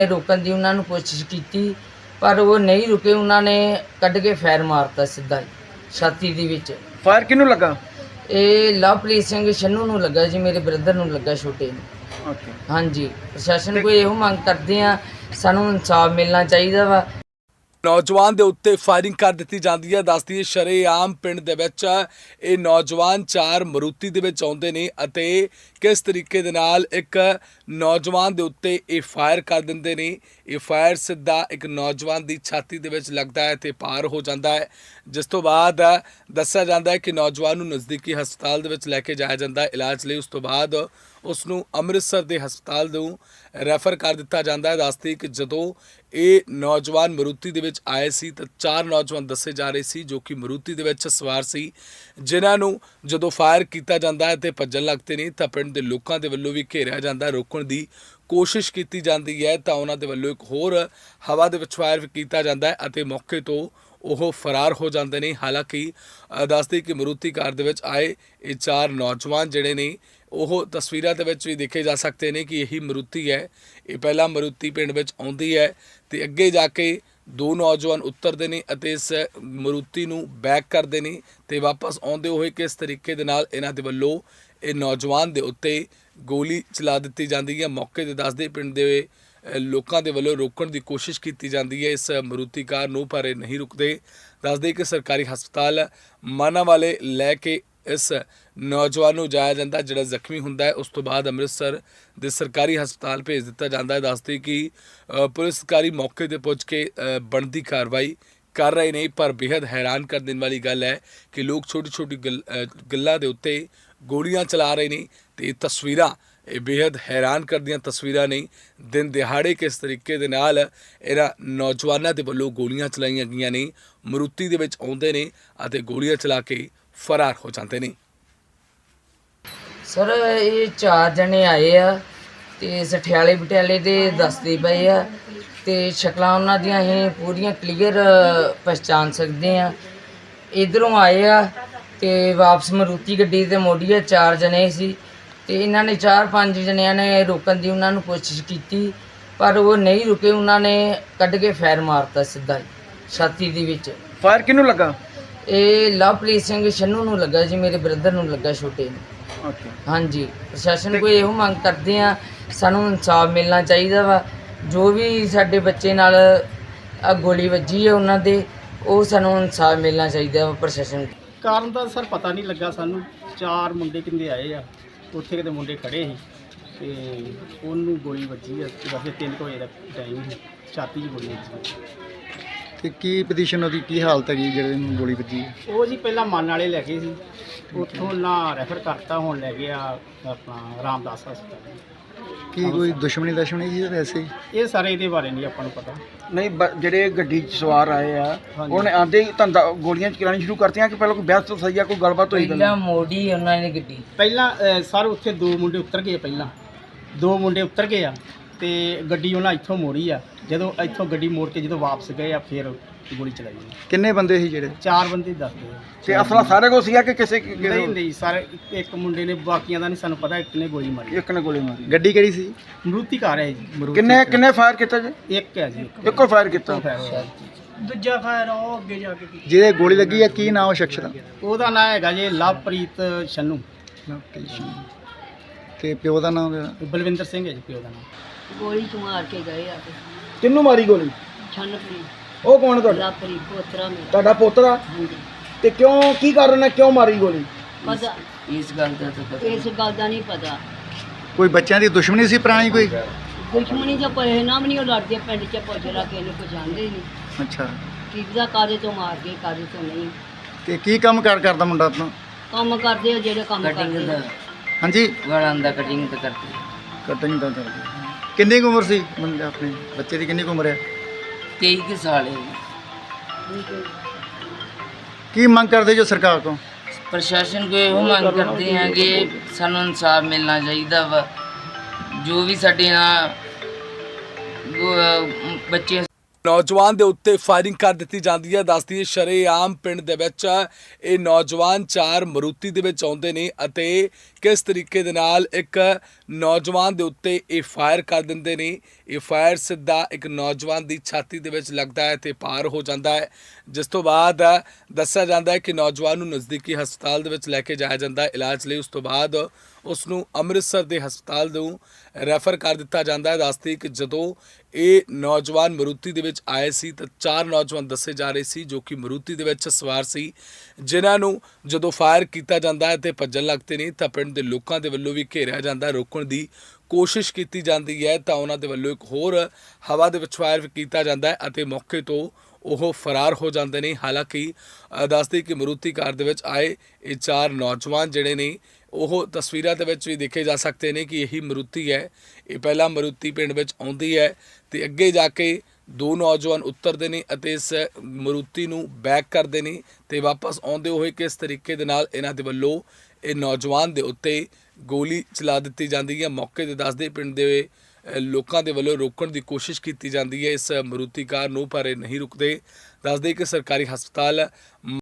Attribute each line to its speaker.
Speaker 1: रोकन की उन्होंने कोशिश की पर वो नहीं रुके। उन्होंने कढ़ के फैर मारता सीधा ही छाती दे विच।
Speaker 2: फायर किनू लगा?
Speaker 1: ये लवप्रीत सिंह छन्नू नूं लगा जी, मेरे ब्रदर नूं लगा छोटे नूं।
Speaker 2: ओके।
Speaker 1: हाँ जी, प्रशासन को ਇਹੋ ਮੰਗ ਕਰਦੇ ਆ, ਸਾਨੂੰ ਇਨਸਾਫ ਮਿਲਣਾ ਚਾਹੀਦਾ ਵਾ।
Speaker 3: ਨੌਜਵਾਨ ਦੇ ਉੱਤੇ ਫਾਇਰਿੰਗ ਕਰ ਦਿੱਤੀ ਜਾਂਦੀ ਹੈ। ਦੱਸਦੀ ਹੈ ਸ਼ਰੇਆਮ ਪਿੰਡ ਦੇ ਵਿੱਚ ਇਹ ਨੌਜਵਾਨ 4 ਮਰੂਤੀ ਦੇ ਵਿੱਚ ਆਉਂਦੇ ਨੇ ਅਤੇ ਕਿਸ ਤਰੀਕੇ ਦੇ ਨਾਲ ਇੱਕ ਨੌਜਵਾਨ ਦੇ ਉੱਤੇ ਇਹ ਫਾਇਰ ਕਰ ਦਿੰਦੇ ਨੇ। ਇਹ ਫਾਇਰ ਸਿੱਧਾ ਇੱਕ ਨੌਜਵਾਨ ਦੀ ਛਾਤੀ ਦੇ ਵਿੱਚ ਲੱਗਦਾ ਹੈ ਤੇ ਪਾਰ ਹੋ ਜਾਂਦਾ ਹੈ, ਜਿਸ ਤੋਂ ਬਾਅਦ ਦੱਸਿਆ ਜਾਂਦਾ ਹੈ ਕਿ ਨੌਜਵਾਨ ਨੂੰ ਨਜ਼ਦੀਕੀ ਹਸਪਤਾਲ ਦੇ ਵਿੱਚ ਲੈ ਕੇ ਜਾਇਆ ਜਾਂਦਾ ਹੈ ਇਲਾਜ ਲਈ। ਉਸ ਤੋਂ ਬਾਅਦ ਉਸ ਨੂੰ ਅੰਮ੍ਰਿਤਸਰ ਦੇ ਹਸਪਤਾਲ ਨੂੰ ਰੈਫਰ ਕਰ ਦਿੱਤਾ ਜਾਂਦਾ ਹੈ। ਦੱਸਦੀ ਕਿ ਜਦੋਂ ਇਹ ਨੌਜਵਾਨ ਮਰੂਤੀ ਦੇ ਵਿੱਚ ਆਏ ਸੀ ਤਾਂ 4 ਨੌਜਵਾਨ ਦੱਸੇ ਜਾ ਰਹੇ ਸੀ ਜੋ ਕਿ ਮਰੂਤੀ ਦੇ ਵਿੱਚ ਸਵਾਰ ਸੀ, ਜਿਨ੍ਹਾਂ ਨੂੰ ਜਦੋਂ ਫਾਇਰ ਕੀਤਾ ਜਾਂਦਾ ਹੈ ਤੇ ਭੱਜਣ ਲੱਗਦੇ ਨੇ ਤਾਂ ਪਿੰਡ ਦੇ ਲੋਕਾਂ ਦੇ ਵੱਲੋਂ ਵੀ ਘੇਰਿਆ ਜਾਂਦਾ, ਰੋਕਣ ਦੀ ਕੋਸ਼ਿਸ਼ ਕੀਤੀ ਜਾਂਦੀ ਹੈ ਤਾਂ ਉਹਨਾਂ ਦੇ ਵੱਲੋਂ ਇੱਕ ਹੋਰ ਹਵਾ ਦੇ ਵਿੱਚ ਫਾਇਰ ਵੀ ਕੀਤਾ ਜਾਂਦਾ ਹੈ ਅਤੇ ਮੌਕੇ ਤੋਂ ਉਹ ਫਰਾਰ ਹੋ ਜਾਂਦੇ ਨੇ। ਹਾਲਾਂਕਿ ਦੱਸਦੇ ਕਿ ਮਰੂਤੀ ਕਾਰ ਦੇ ਵਿੱਚ ਆਏ ਇਹ 4 ਨੌਜਵਾਨ ਜਿਹੜੇ ਨੇ ਉਹ ਤਸਵੀਰਾਂ ਦੇ ਵਿੱਚ ਵੀ ਦੇਖੇ ਜਾ ਸਕਦੇ ਨੇ ਕਿ ਇਹੀ ਮਰੂਤੀ ਹੈ। ਇਹ ਪਹਿਲਾਂ ਮਰੂਤੀ ਪਿੰਡ ਵਿੱਚ ਆਉਂਦੀ ਹੈ ਤੇ ਅੱਗੇ ਜਾ ਕੇ 2 ਨੌਜਵਾਨ ਉਤਰਦੇ ਨੇ ਅਤੇ ਇਸ ਮਰੂਤੀ ਨੂੰ ਬੈਕ ਕਰਦੇ ਨੇ ਤੇ ਵਾਪਸ ਆਉਂਦੇ ਹੋਏ ਕਿਸ ਤਰੀਕੇ ਦੇ ਨਾਲ ਇਹਨਾਂ ਦੇ ਵੱਲੋਂ ਇਹ ਨੌਜਵਾਨ ਦੇ ਉੱਤੇ ਗੋਲੀ ਚਲਾ ਦਿੱਤੀ ਜਾਂਦੀ ਹੈ। ਮੌਕੇ ਤੇ ਦੱਸਦੇ ਪਿੰਡ ਦੇ ਲੋਕਾਂ ਦੇ ਵੱਲੋਂ ਰੋਕਣ ਦੀ ਕੋਸ਼ਿਸ਼ ਕੀਤੀ ਜਾਂਦੀ ਹੈ ਇਸ ਮਰੂਤੀ ਕਾਰ ਨੂੰ, ਪਰ ਇਹ ਨਹੀਂ ਰੁਕਦੇ। ਦੱਸਦੇ ਕਿ ਸਰਕਾਰੀ ਹਸਪਤਾਲ ਮਾਨਾਵਾਲੇ ਲੈ ਕੇ ਇਸ ਨੌਜਵਾਨ ਨੂੰ ਜਾਇਆ ਜਾਂਦਾ, ਜਿਹੜਾ ਜ਼ਖਮੀ ਹੁੰਦਾ ਹੈ ਉਸ ਤੋਂ ਬਾਅਦ ਅੰਮ੍ਰਿਤਸਰ ਦੇ ਸਰਕਾਰੀ ਹਸਪਤਾਲ ਭੇਜ ਦਿੱਤਾ ਜਾਂਦਾ ਹੈ। ਦੱਸਦੇ ਕਿ ਪੁਲਿਸ ਅਧਿਕਾਰੀ ਮੌਕੇ ਤੇ ਪਹੁੰਚ ਕੇ ਬਣਦੀ ਕਾਰਵਾਈ ਕਰ ਰਹੇ ਨੇ, ਪਰ ਬੇहद ਹੈਰਾਨ ਕਰ ਦੇਣ ਵਾਲੀ ਗੱਲ ਹੈ ਕਿ ਲੋਕ ਛੋਟੀ ਛੋਟੀ ਗੱਲਾਂ ਦੇ ਉੱਤੇ ਗੋਲੀਆਂ ਚਲਾ ਰਹੇ ਨੇ ਤੇ ਇਹ ਤਸਵੀਰਾਂ ਇਹ ਬੇहद ਹੈਰਾਨ ਕਰਦੀਆਂ ਤਸਵੀਰਾਂ ਨੇ। ਦਿਨ ਦਿਹਾੜੇ ਕਿਸ ਤਰੀਕੇ ਦੇ ਨਾਲ ਇਹਨਾਂ ਨੌਜਵਾਨਾਂ ਦੇ ਵੱਲੋਂ ਗੋਲੀਆਂ ਚਲਾਈਆਂ ਗਈਆਂ ਨੇ, ਮਰੂਤੀ ਦੇ ਵਿੱਚ ਆਉਂਦੇ ਨੇ ਅਤੇ ਗੋਲੀਆਂ ਚਲਾ ਕੇ ਫਰਾਰ ਹੋ ਜਾਂਦੇ ਨੇ।
Speaker 1: ਸਰ ਇਹ 4 ਜਣੇ ਆਏ ਆ ਤੇ ਸਠਿਆਲੇ ਬਟਿਆਲੇ ਦੇ ਦੱਸਦੇ ਪਏ ਆ ਤੇ ਸ਼ਕਲਾਂ ਉਹਨਾਂ ਦੀਆਂ ਅਸੀਂ ਪੂਰੀਆਂ ਕਲੀਅਰ ਪਛਾਣ ਸਕਦੇ ਆ। ਇਧਰੋਂ ਆਏ ਆ ਤੇ ਵਾਪਸ ਮਰੂਤੀ ਗੱਡੀ ਤੇ ਮੋੜੀ ਆ। 4 ਜਣੇ ਸੀ ਤੇ ਇਹਨਾਂ ਨੇ 4-5 ਜਣਿਆਂ ਨੇ ਰੋਕਣ ਦੀ ਉਹਨਾਂ ਨੂੰ ਕੋਸ਼ਿਸ਼ ਕੀਤੀ ਪਰ ਉਹ ਨਹੀਂ ਰੁਕੇ। ਉਹਨਾਂ ਨੇ ਕੱਢ ਕੇ ਫੈਰ ਮਾਰਤਾ ਸਿੱਧਾ ਹੀ ਛਾਤੀ ਦੇ ਵਿੱਚ।
Speaker 2: ਫਾਇਰ ਕਿਨੂ ਲੱਗਾ?
Speaker 1: ਇਹ ਲਵਪ੍ਰੀਤ ਸਿੰਘ ਛੰਨੂ ਨੂੰ ਲੱਗਾ ਜੀ, ਮੇਰੇ ਬ੍ਰਦਰ ਨੂੰ ਲੱਗਾ ਛੋਟੇ ਨੂੰ।
Speaker 2: ਓਕੇ।
Speaker 1: हाँ जी, प्रशासन को ਇਹੋ ਮੰਗ ਕਰਦੇ ਆ, ਸਾਨੂੰ ਇਨਸਾਫ ਮਿਲਣਾ ਚਾਹੀਦਾ ਵਾ। ਜੋ ਵੀ ਸਾਡੇ ਬੱਚੇ ਨਾਲ ਗੋਲੀ ਵੱਜੀ ਹੈ ਉਹਨਾਂ ਦੇ, ਉਹ ਸਾਨੂੰ ਇਨਸਾਫ ਮਿਲਣਾ ਚਾਹੀਦਾ ਵਾ ਪ੍ਰਸ਼ਾਸਨ।
Speaker 4: ਕਾਰਨ ਦਾ ਸਰ ਪਤਾ ਨਹੀਂ ਲੱਗਾ ਸਾਨੂੰ। 4 ਮੁੰਡੇ ਕਿੰਦੇ ਆਏ ਆ, ਉੱਥੇ ਕਿਤੇ ਮੁੰਡੇ ਖੜੇ ਸੀ ਤੇ ਉਹਨੂੰ ਗੋਲੀ ਵੱਜੀ ਆ। ਵੈਸੇ 3 ਵਜੇ ਦਾ ਟਾਈਮ ਸੀ, ਛਾਤੀ 'ਚ ਗੋਲੀ ਵੱਜੀ।
Speaker 2: ਤੇ ਕੀ ਪੋਜੀਸ਼ਨ ਉਹਦੀ, ਕੀ ਹਾਲਤ ਹੈਗੀ ਜਿਹੜੇ ਨੂੰ ਗੋਲੀ ਵੱਜੀ?
Speaker 4: ਉਹ ਜੀ ਪਹਿਲਾਂ ਮਨ ਵਾਲੇ ਲੈ ਗਏ ਸੀ, ਉੱਥੋਂ ਨਾ ਰੈਫਰ ਕਰਤਾ, ਹੁਣ ਲੈ ਗਿਆ ਆਪਣਾ ਰਾਮਦਾਸ ਹਸਪਤਾਲ।
Speaker 2: ਕੀ ਕੋਈ ਦੁਸ਼ਮਣੀ ਸੀ ਜਾਂ ਵੈਸੇ ਹੀ?
Speaker 4: ਇਹ ਸਾਰੇ ਇਹਦੇ ਬਾਰੇ ਨਹੀਂ ਆਪਾਂ ਨੂੰ ਪਤਾ।
Speaker 2: ਨਹੀਂ, ਜਿਹੜੇ ਗੱਡੀ 'ਚ ਸਵਾਰ ਆਏ ਆ
Speaker 4: ਹਾਂਜੀ।
Speaker 2: ਉਹਨੇ ਆਂਦੇ ਹੀ ਧੰਦਾ ਗੋਲੀਆਂ ਚਲਾਉਣੀ ਸ਼ੁਰੂ ਕਰਤੀਆਂ ਕਿ ਪਹਿਲਾਂ ਕੋਈ ਬਹਿਸ ਤੋਂ ਸਹੀ ਆ, ਕੋਈ ਗੱਲਬਾਤ ਹੋਈ?
Speaker 1: ਪਹਿਲਾਂ ਮੋੜੀ ਉਹਨਾਂ ਨੇ ਗੱਡੀ।
Speaker 4: ਪਹਿਲਾਂ ਸਰ ਉੱਥੇ 2 ਮੁੰਡੇ ਉਤਰ ਗਏ, ਪਹਿਲਾਂ 2 ਮੁੰਡੇ ਉਤਰ ਗਏ ਆ ਤੇ ਗੱਡੀ ਉਹਨਾਂ ਇੱਥੋਂ ਮੋੜੀ ਆ। ਜਦੋਂ ਇੱਥੋਂ ਗੱਡੀ ਮੋੜ ਕੇ ਜਦੋਂ ਵਾਪਸ ਗਏ ਆ ਫਿਰ ਗੋਲੀ ਚਲਾਈ।
Speaker 2: ਕਿੰਨੇ ਬੰਦੇ ਸੀ ਜਿਹੜੇ?
Speaker 4: 4 ਬੰਦੇ ਦੱਸਦੇ ਆ।
Speaker 2: ਤੇ ਅਸਲਾ ਸਾਰੇ ਕੋਲ ਸੀਗਾ ਕਿ ਕਿਸੇ
Speaker 4: ਨਹੀਂ ਨਹੀਂ ਸਰ, ਇੱਕ ਮੁੰਡੇ ਨੇ, ਬਾਕੀਆਂ ਦਾ ਨਹੀਂ ਸਾਨੂੰ ਪਤਾ। ਇੱਕ ਨੇ ਗੋਲੀ ਮਾਰੀ।
Speaker 2: ਇੱਕ ਨੇ ਗੋਲੀ ਮਾਰੀ। ਗੱਡੀ ਕਿਹੜੀ ਸੀ?
Speaker 4: ਮਰੂਤੀ ਕਾਰ ਹੈ ਜੀ।
Speaker 2: ਕਿੰਨੇ ਫਾਇਰ ਕੀਤਾ ਜੀ?
Speaker 4: ਇੱਕ ਹੈ ਜੀ।
Speaker 2: ਇੱਕੋ ਫਾਇਰ ਕੀਤਾ।
Speaker 4: ਦੂਜਾ ਫਾਇਰ ਉਹ ਅੱਗੇ ਜਾ ਕੇ ਕੀਤਾ।
Speaker 2: ਜਿਹਦੇ ਗੋਲੀ ਲੱਗੀ ਹੈ ਕੀ ਨਾਮ ਉਹ ਸ਼ਖਸ ਦਾ?
Speaker 4: ਉਹਦਾ ਨਾਂ ਹੈਗਾ ਜੀ ਲਵਪ੍ਰੀਤ ਛੰਨੂ।
Speaker 2: ਤੇ ਪਿਓ ਦਾ ਨਾਮ?
Speaker 4: ਬਲਵਿੰਦਰ ਸਿੰਘ ਹੈ ਜੀ ਪਿਓ ਦਾ ਨਾਮ।
Speaker 1: ਗੋਲੀ ਤੋਂ ਮਾਰ ਕੇ ਗਏ ਆ ਕੇ।
Speaker 2: ਕਿੰਨੂੰ ਮਾਰੀ ਗੋਲੀ?
Speaker 1: ਛੰਨਪ੍ਰੀਤ।
Speaker 2: ਉਹ ਕੌਣ ਤੁਹਾਡਾ?
Speaker 1: ਲਵਪ੍ਰੀਤ ਪੋਤਰਾ ਮੇਰਾ।
Speaker 2: ਤੁਹਾਡਾ ਪੋਤਰਾ?
Speaker 1: ਹਾਂਜੀ।
Speaker 2: ਤੇ ਕਿਉਂ, ਕੀ ਕਾਰਨ ਹੈ, ਕਿਉਂ ਮਾਰੀ ਗੋਲੀ?
Speaker 1: ਪਤਾ ਇਸ ਗੱਲ ਦਾ ਤਾਂ ਪਤਾ, ਇਸ ਗੱਲ ਦਾ ਨਹੀਂ ਪਤਾ।
Speaker 2: ਕੋਈ ਬੱਚਿਆਂ ਦੀ ਦੁਸ਼ਮਣੀ ਸੀ ਪੁਰਾਣੀ ਕੋਈ?
Speaker 1: ਦੁਸ਼ਮਣੀ ਜਾਂ ਪਹਿਨਾਮ ਨਹੀਂ, ਉਹ ਲੜਦੇ ਪਿੰਡ 'ਚ ਪੁੱਛਦਾ ਕਿ ਇਹਨੂੰ ਕੁਝ ਆਂਦੇ ਨਹੀਂ।
Speaker 2: ਅੱਛਾ।
Speaker 1: ਕਿਹਦਾ ਕਾਦੇ ਤੋਂ ਮਾਰ ਕੇ ਕਾਦੇ ਤੋਂ ਨਹੀਂ।
Speaker 2: ਤੇ ਕੀ ਕੰਮ ਕਰਦਾ ਮੁੰਡਾ ਆਪਣਾ?
Speaker 1: ਕੰਮ ਕਰਦੇ ਆ ਜਿਹੜੇ ਕੰਮ ਕਰਦੇ ਆ।
Speaker 2: ਹਾਂਜੀ,
Speaker 1: ਗਾਲਾਂ ਦਾ ਕਟਿੰਗ ਤਾਂ ਕਰਦੇ।
Speaker 2: ਕਟਿੰਗ ਤਾਂ ਕਰਦੇ। ਕਿੰਨੀ ਕੁ ਉਮਰ ਸੀ ਮੁੰਡੇ ਆਪਣੇ ਬੱਚੇ ਦੀ? ਕਿੰਨੀ ਕੁ ਉਮਰ ਹੈ?
Speaker 1: 23 ਸਾਲ ਹੈ।
Speaker 2: ਕੀ ਮੰਗ ਕਰਦੇ ਜੋ ਸਰਕਾਰ ਤੋਂ?
Speaker 1: ਪ੍ਰਸ਼ਾਸਨ ਕੋ ਇਹੋ ਮੰਗ ਕਰਦੇ ਹਾਂ ਕਿ ਸਾਨੂੰ ਇਨਸਾਫ ਮਿਲਣਾ ਚਾਹੀਦਾ ਵਾ। ਜੋ ਵੀ ਸਾਡੇ ਨਾਲ ਬੱਚੇ
Speaker 3: ਨੌਜਵਾਨ ਦੇ ਉੱਤੇ ਫਾਇਰਿੰਗ ਕਰ ਦਿੱਤੀ ਜਾਂਦੀ ਹੈ। ਦੱਸਦੀ ਹੈ ਸ਼ਰੇਆਮ ਪਿੰਡ ਦੇ ਵਿੱਚ ਇਹ ਨੌਜਵਾਨ 4 ਮਰੂਤੀ ਦੇ ਵਿੱਚ ਆਉਂਦੇ ਨੇ ਅਤੇ ਕਿਸ ਤਰੀਕੇ ਦੇ ਨਾਲ ਇੱਕ ਨੌਜਵਾਨ ਦੇ ਉੱਤੇ ਇਹ ਫਾਇਰ ਕਰ ਦਿੰਦੇ ਨੇ। ਇਹ ਫਾਇਰ ਸਿੱਧਾ ਇੱਕ ਨੌਜਵਾਨ ਦੀ ਛਾਤੀ ਦੇ ਵਿੱਚ ਲੱਗਦਾ ਹੈ ਤੇ ਪਾਰ ਹੋ ਜਾਂਦਾ ਹੈ, ਜਿਸ ਤੋਂ ਬਾਅਦ ਦੱਸਿਆ ਜਾਂਦਾ ਹੈ ਕਿ ਨੌਜਵਾਨ ਨੂੰ ਨਜ਼ਦੀਕੀ ਹਸਪਤਾਲ ਦੇ ਵਿੱਚ ਲੈ ਕੇ ਜਾਇਆ ਜਾਂਦਾ ਹੈ ਇਲਾਜ ਲਈ। ਉਸ ਤੋਂ ਬਾਅਦ ਉਸ ਨੂੰ ਅੰਮ੍ਰਿਤਸਰ ਦੇ ਹਸਪਤਾਲ ਨੂੰ ਰੈਫਰ ਕਰ ਦਿੱਤਾ ਜਾਂਦਾ ਹੈ। ਦੱਸਦੀ ਕਿ ਜਦੋਂ ਇਹ ਨੌਜਵਾਨ ਮਰੂਤੀ ਦੇ ਵਿੱਚ ਆਏ ਸੀ ਤਾਂ 4 ਨੌਜਵਾਨ ਦੱਸੇ ਜਾ ਰਹੇ ਸੀ ਜੋ ਕਿ ਮਰੂਤੀ ਦੇ ਵਿੱਚ ਸਵਾਰ ਸੀ, ਜਿਨ੍ਹਾਂ ਨੂੰ ਜਦੋਂ ਫਾਇਰ ਕੀਤਾ ਜਾਂਦਾ ਹੈ ਤੇ ਭੱਜਣ ਲੱਗਦੇ ਨੇ ਤਾਂ ਪਿੰਡ ਦੇ ਲੋਕਾਂ ਦੇ ਵੱਲੋਂ ਵੀ ਘੇਰਿਆ ਜਾਂਦਾ, ਰੋਕਣ ਦੀ ਕੋਸ਼ਿਸ਼ ਕੀਤੀ ਜਾਂਦੀ ਹੈ ਤਾਂ ਉਹਨਾਂ ਦੇ ਵੱਲੋਂ ਇੱਕ ਹੋਰ ਹਵਾ ਦੇ ਵਿੱਚ ਫਾਇਰ ਕੀਤਾ ਜਾਂਦਾ ਹੈ ਅਤੇ ਮੌਕੇ ਤੋਂ ਉਹ ਫਰਾਰ ਹੋ ਜਾਂਦੇ ਨੇ। ਹਾਲਾਂਕਿ ਦੱਸਦੇ ਕਿ ਮਰੂਤੀ ਕਾਰ ਦੇ ਵਿੱਚ ਆਏ ਇਹ 4 ਨੌਜਵਾਨ ਜਿਹੜੇ ਨੇ ਉਹ ਤਸਵੀਰਾਂ ਦੇ ਵਿੱਚ ਵੀ ਦੇਖੇ ਜਾ ਸਕਦੇ ਨੇ ਕਿ ਇਹੀ ਮਰੂਤੀ ਹੈ। ਇਹ ਪਹਿਲਾਂ ਮਰੂਤੀ ਪਿੰਡ ਵਿੱਚ ਆਉਂਦੀ ਹੈ ਤੇ ਅੱਗੇ ਜਾ ਕੇ 2 ਨੌਜਵਾਨ ਉਤਰਦੇ ਨੇ ਅਤੇ ਇਸ ਮਰੂਤੀ ਨੂੰ ਬੈਕ ਕਰਦੇ ਨੇ ਤੇ ਵਾਪਸ ਆਉਂਦੇ ਹੋਏ ਕਿਸ ਤਰੀਕੇ ਦੇ ਨਾਲ ਇਹਨਾਂ ਦੇ ਵੱਲੋਂ ਇਹ ਨੌਜਵਾਨ ਦੇ ਉੱਤੇ ਗੋਲੀ ਚਲਾ ਦਿੱਤੀ ਜਾਂਦੀ ਹੈ। ਮੌਕੇ ਤੇ ਦੱਸਦੇ ਪਿੰਡ ਦੇ ਲੋਕਾਂ ਦੇ ਵੱਲੋਂ ਰੋਕਣ ਦੀ ਕੋਸ਼ਿਸ਼ ਕੀਤੀ ਜਾਂਦੀ ਹੈ ਇਸ ਮਰੂਤੀ ਕਾਰ ਨੂੰ, ਪਰ ਇਹ ਨਹੀਂ ਰੁਕਦੇ। ਦੱਸਦੇ ਕਿ ਸਰਕਾਰੀ ਹਸਪਤਾਲ